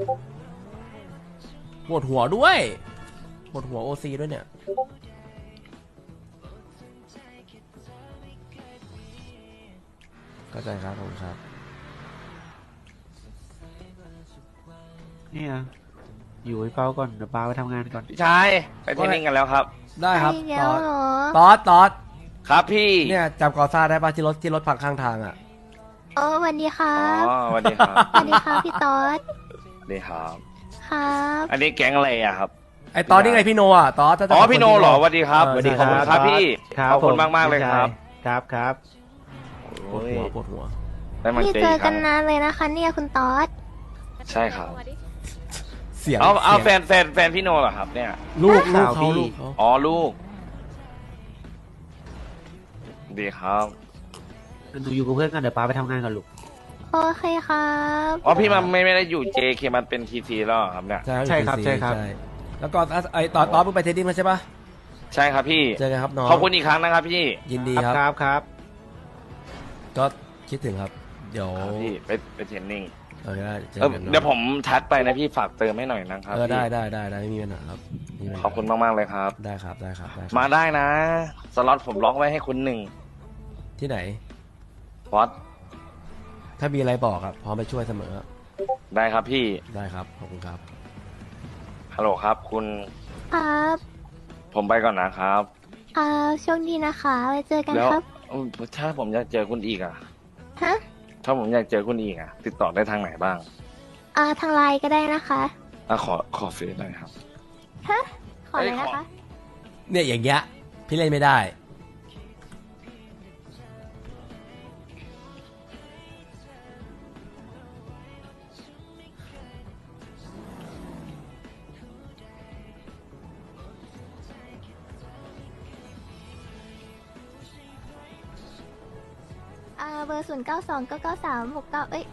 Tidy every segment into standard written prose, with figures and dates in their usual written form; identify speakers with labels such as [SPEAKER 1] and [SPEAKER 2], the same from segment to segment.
[SPEAKER 1] ปวดหัวด้วยปวดหัวโอซีด้วยเนี่ยเข้าใจครับผมครับ
[SPEAKER 2] เนี่ยอยู่ไอ้เปาก่อนเดี๋ยวเปาไปทำงานก่อน
[SPEAKER 3] พี่ชายไปเทรนนิ่งกันแล้วครับ
[SPEAKER 1] ได้ครับ
[SPEAKER 4] ไปแล้วเหรอ
[SPEAKER 1] ตอด
[SPEAKER 3] ครับพี่
[SPEAKER 1] เนี่ยจำกอซ่าได้ป่ะที่รถพังข้างทางอ่ะ
[SPEAKER 4] โอ้สวัสดีครั
[SPEAKER 3] อ๋อบ สวัสดีครับ
[SPEAKER 4] สวัสดีครับพี่ต๊อด
[SPEAKER 3] สวัสดีครับ
[SPEAKER 4] ครับ
[SPEAKER 3] อันนี้แก๊งอะไรอะครับ
[SPEAKER 1] ไอตอนนี่ไงพี่โนอ่ะตอด
[SPEAKER 3] อ๋อพี่โนเหรอสวัสดีครับ
[SPEAKER 1] สวัสดี
[SPEAKER 3] ขอบคุณครับพี่
[SPEAKER 2] ครับ
[SPEAKER 3] ขอบคุณ
[SPEAKER 2] ผม
[SPEAKER 3] มากเลยครับ
[SPEAKER 2] ครับครับ
[SPEAKER 1] ปวดหัวปวดหัว
[SPEAKER 3] ได้มา
[SPEAKER 4] นี่
[SPEAKER 3] เจอ
[SPEAKER 4] เจอ
[SPEAKER 3] อีกค
[SPEAKER 4] กั
[SPEAKER 3] รั้
[SPEAKER 4] น
[SPEAKER 3] ง
[SPEAKER 4] นานเลยนะคะเนี่ยคุณต๊อด
[SPEAKER 3] ใช่ครับ
[SPEAKER 1] เสียง
[SPEAKER 3] เอาแฟ
[SPEAKER 1] สียง
[SPEAKER 3] นพี่โนเหรอครับเนี่ย
[SPEAKER 1] ลูก
[SPEAKER 2] ข่าว
[SPEAKER 1] เขา
[SPEAKER 2] พี่
[SPEAKER 1] ลูกเขา
[SPEAKER 3] อ๋อลูก ดีครับ
[SPEAKER 2] หนูอยู่กับเพื่อนกันเดี๋ยวเปาไปทำงานก่อนลูก
[SPEAKER 4] โอเคครับ
[SPEAKER 3] อ๋อพี่มันไม่ได้อยู่ JK มันเป็น TC แล้วเหรอครับเนี่ย
[SPEAKER 2] ใช่ครับ
[SPEAKER 1] อยู่
[SPEAKER 2] ใช่ครับ
[SPEAKER 1] แล้วก็ไอตอดเพิ่งไปเทรดดิ้งมาใช่ปะ
[SPEAKER 3] ใช่ครับพี่
[SPEAKER 1] เจอกันครับน้อง
[SPEAKER 3] ขอบคุณอีกครั้งนะครับพี่
[SPEAKER 1] ยินดี
[SPEAKER 2] ครับ
[SPEAKER 1] ครับ
[SPEAKER 2] ครับ
[SPEAKER 1] ก็คิดถึงครับเดี๋ยว
[SPEAKER 3] ครับพี่ไปเทรนนิ่ง
[SPEAKER 1] ได้เจอ
[SPEAKER 3] เออ
[SPEAKER 1] กัน
[SPEAKER 3] เดี๋ยวผมทักไปนะพี่ฝากเติมให้หน่อยนะครับ
[SPEAKER 1] ได้
[SPEAKER 3] พี่
[SPEAKER 1] ได้ไม่มีปัญหาครับไม่มีปัญหา
[SPEAKER 3] ขอบคุณมากๆเลยครับ
[SPEAKER 1] ได้ครับได้ครับ
[SPEAKER 3] มาได้นะ สล็อตผมล็อกไว้ให้คุณหนึ่ง
[SPEAKER 1] ที่ไหน
[SPEAKER 3] พอด
[SPEAKER 1] ถ้ามีอะไรบอกครับพร้อมไปช่วยเสมอ
[SPEAKER 3] ได้ครับพี่
[SPEAKER 1] ได้ครับขอบคุณครับ
[SPEAKER 3] ฮัลโหลครับ คุณ
[SPEAKER 4] ครับ
[SPEAKER 3] ผมไปก่อนนะครับ
[SPEAKER 4] โชคดีนะคะไว้เจอกัน
[SPEAKER 3] แล้ว
[SPEAKER 4] ครับ
[SPEAKER 3] ถ้าผมอยากเจอคุณอีกอะ
[SPEAKER 4] ฮะ
[SPEAKER 3] ถ้าผมอยากเจอคุณอีกอะติดต่อได้ทางไหนบ้าง
[SPEAKER 4] ทางไลน์ก็ได้นะคะ
[SPEAKER 3] อ่ะขอเฟซหน่อยครับ
[SPEAKER 4] ฮะ ขอเลยนะคะ
[SPEAKER 1] เนี่ยอย่างเงี้ยพี่เล่นไม่ได้
[SPEAKER 4] เบอร์09299369เอ้ย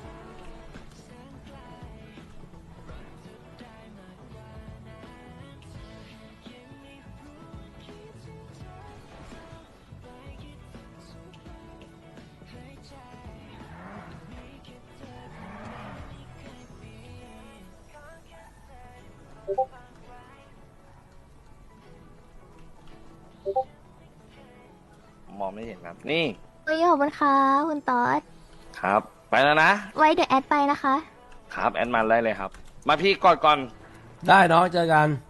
[SPEAKER 3] มองไม่เห็นครับ นี่
[SPEAKER 4] ขอบคุณครับคุณต๊อด
[SPEAKER 3] ครับ ไปแล้วนะ
[SPEAKER 4] ไว้เดี๋ยวแอดไปนะคะ
[SPEAKER 3] ครับแอดมาได้เลยครับ มาพี่กอดก่อน
[SPEAKER 1] ได้น้องเจอกัน